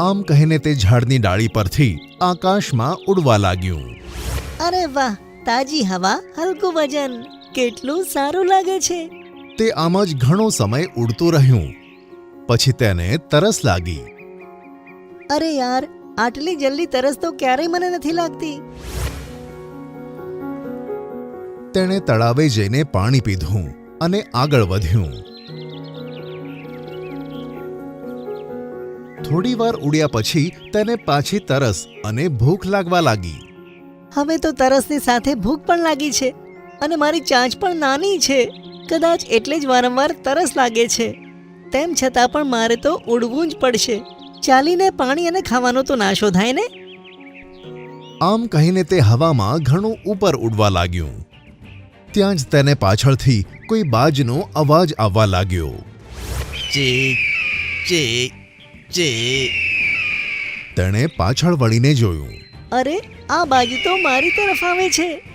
આમ કહીને તે ઝાડની ડાળી પરથી આકાશમાં ઉડવા લાગ્યું. અરે વાહ, તાજી હવા, હલકું વજન, કેટલું સારું લાગે છે. તે આમ જ ઘણો સમય ઉડતું રહ્યું. પછી તેને તરસ લાગી. અરે યાર, આટલી જલ્દી તરસ તો ક્યારેય મને નથી લાગતી. તેણે તળાવે જઈને પાણી પીધું અને આગળ વધ્યું. થોડી વાર ઉડ્યા પછી તેને પાછી તરસ અને ભૂખ લાગવા લાગી. હવે તો તરસની સાથે ભૂખ પણ લાગી છે અને મારી ચાંચ પણ નાની છે. કદાચ એટલે જ વારંવાર તરસ લાગે છે. તેમ છતાં પણ મારે તો ઉડવું જ પડશે. ચાલીને પાણી અને ખાવાનો તો નાશો થાય ને. આમ કહીને તે હવામાં ઘણું ઉપર ઉડવા લાગ્યું. ત્યાં જ તેને પાછળથી કોઈ બાજનો અવાજ આવવા લાગ્યો. ચીક ચીક ચીક. તેણે પાછળ વળીને જોયું. અરે, આ બાજુ તો મારી તરફ આવે છે.